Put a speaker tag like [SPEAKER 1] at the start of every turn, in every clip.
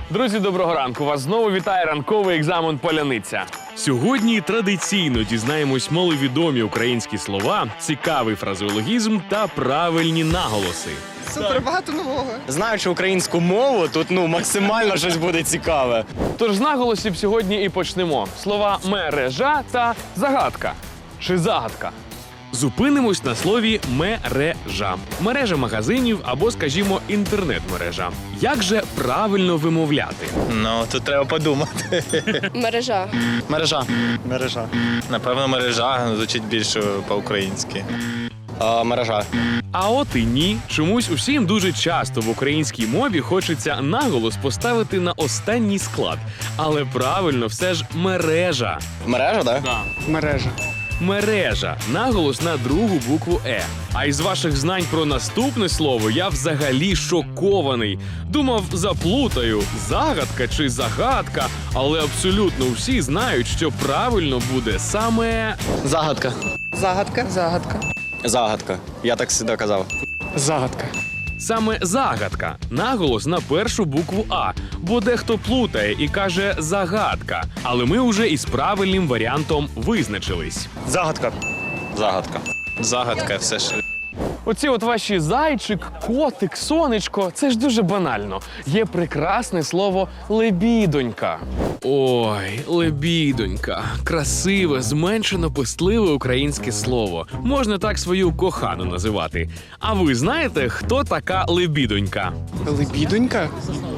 [SPEAKER 1] Друзі, доброго ранку! Вас знову вітає ранковий екзамен «Поляниця».
[SPEAKER 2] Сьогодні традиційно дізнаємось маловідомі українські слова, цікавий фразеологізм та правильні наголоси.
[SPEAKER 3] Супер, багато нового.
[SPEAKER 4] Знаючи українську мову, тут максимально щось буде цікаве.
[SPEAKER 1] Тож з наголосів сьогодні і почнемо. Слова «мережа» та «загадка» чи «загадка».
[SPEAKER 2] Зупинимось на слові «мережа». Мережа магазинів або, скажімо, інтернет-мережа. Як же правильно вимовляти?
[SPEAKER 5] Ну, тут треба подумати.
[SPEAKER 3] Мережа.
[SPEAKER 4] Мережа.
[SPEAKER 5] Мережа. Напевно, мережа звучить більше по-українськи.
[SPEAKER 4] Мережа.
[SPEAKER 2] А от і ні. Чомусь усім дуже часто в українській мові хочеться наголос поставити на останній склад. Але правильно все ж мережа.
[SPEAKER 4] Мережа, так?
[SPEAKER 3] Мережа.
[SPEAKER 2] Мережа. Наголос на другу букву «е». А із ваших знань про наступне слово я взагалі шокований. Думав, заплутаю, загадка чи загадка, але абсолютно всі знають, що правильно буде саме...
[SPEAKER 4] Загадка.
[SPEAKER 3] Загадка. Загадка.
[SPEAKER 4] Загадка. Я так завжди казав.
[SPEAKER 3] Загадка.
[SPEAKER 2] Саме загадка. Наголос на першу букву «а», бо дехто плутає і каже «загадка». Але ми вже із правильним варіантом визначились.
[SPEAKER 5] Загадка.
[SPEAKER 4] Загадка.
[SPEAKER 5] Загадка все ж.
[SPEAKER 1] Оці от ваші зайчик, котик, сонечко – це ж дуже банально. Є прекрасне слово «лебідонька».
[SPEAKER 2] Ой, лебідонька. Красиве, зменшено пестливе українське слово. Можна так свою кохану називати. А ви знаєте, хто така лебідонька?
[SPEAKER 3] Лебідонька?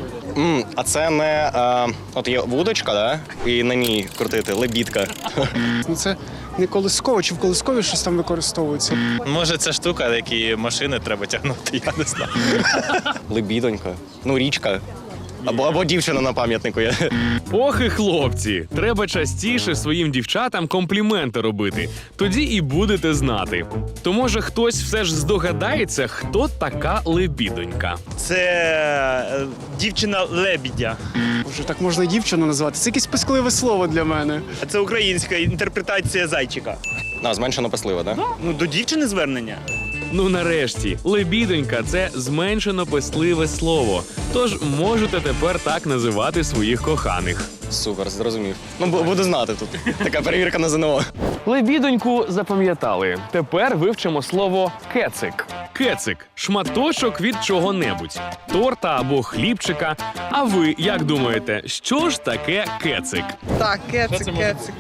[SPEAKER 4] А це не... от є вудочка, да? І на ній крутити. Лебідка.
[SPEAKER 3] Ну це не колисково, чи в колискові щось там використовується?
[SPEAKER 5] Може, це штука, які машини треба тягнути, я не знаю.
[SPEAKER 4] Лебідонька. Ну, річка. Або дівчина на пам'ятнику є.
[SPEAKER 2] Ох і хлопці, треба частіше своїм дівчатам компліменти робити. Тоді і будете знати. То може хтось все ж здогадається, хто така лебідонька?
[SPEAKER 6] Це дівчина лебідя.
[SPEAKER 3] Боже, так можна і дівчину назвати. Це якесь пискливе слово для мене.
[SPEAKER 6] А це українська інтерпретація зайчика.
[SPEAKER 4] Зменшено песлива, так?
[SPEAKER 6] Ну, до дівчини звернення.
[SPEAKER 2] Ну нарешті, лебідонька – це зменшено пестливе слово. Тож можете тепер так називати своїх коханих.
[SPEAKER 4] Супер, зрозумів. Ну, буду знати тут. Така перевірка на ЗНО.
[SPEAKER 1] Лебідоньку запам'ятали. Тепер вивчимо слово «кецик».
[SPEAKER 2] Кецик – шматочок від чого-небудь. Торта або хлібчика. А ви як думаєте, що ж таке кецик?
[SPEAKER 7] Так, кецик.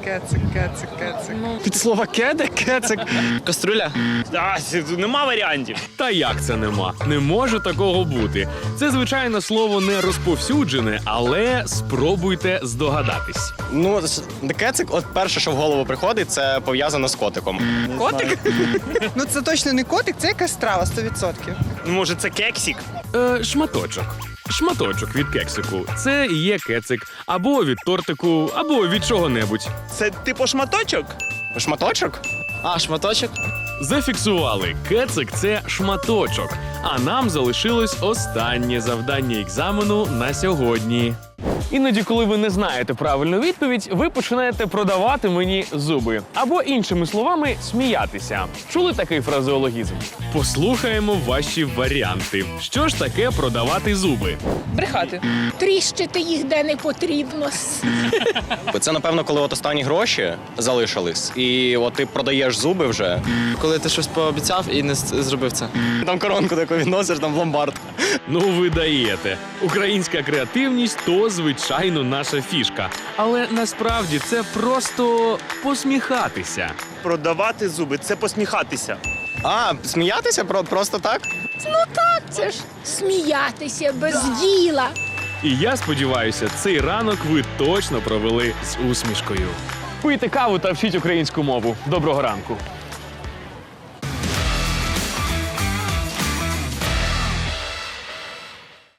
[SPEAKER 3] Від слова кеде, кецик.
[SPEAKER 4] Каструля.
[SPEAKER 6] Нема варіантів.
[SPEAKER 2] Та як це нема? Не може такого бути. Це, звичайно, слово не розповсюджене, але спробуйте здогадатись.
[SPEAKER 4] Ну, кецик, от перше, що в голову приходить, це пов'язано з котиком.
[SPEAKER 7] Котик? Ну це точно не котик, це якась страва, 100%.
[SPEAKER 6] Ну, може, це кексик?
[SPEAKER 2] Шматочок. Шматочок від кексику. Це і є кецик. Або від тортику, або від чого-небудь.
[SPEAKER 6] Це типу шматочок?
[SPEAKER 4] Шматочок? Шматочок?
[SPEAKER 2] Зафіксували. Кецик – це шматочок. А нам залишилось останнє завдання екзамену на сьогодні.
[SPEAKER 1] Іноді, коли ви не знаєте правильну відповідь, ви починаєте продавати мені зуби. Або, іншими словами, сміятися. Чули такий фразеологізм?
[SPEAKER 2] Послухаємо ваші варіанти. Що ж таке продавати зуби?
[SPEAKER 7] Брехати.
[SPEAKER 8] Тріщити їх де не потрібно.
[SPEAKER 4] Це, напевно, коли от останні гроші залишились, і от ти продаєш зуби вже.
[SPEAKER 9] Коли ти щось пообіцяв і не зробив це.
[SPEAKER 4] Там коронку таку відносиш, там в ломбард.
[SPEAKER 2] Ну, ви даєте. Українська креативність – то, звичайно, наша фішка. Але насправді це просто посміхатися.
[SPEAKER 6] Продавати зуби – це посміхатися.
[SPEAKER 4] Сміятися просто так?
[SPEAKER 8] Це ж сміятися без діла.
[SPEAKER 2] І я сподіваюся, цей ранок ви точно провели з усмішкою.
[SPEAKER 1] Пийте каву та вчіть українську мову. Доброго ранку!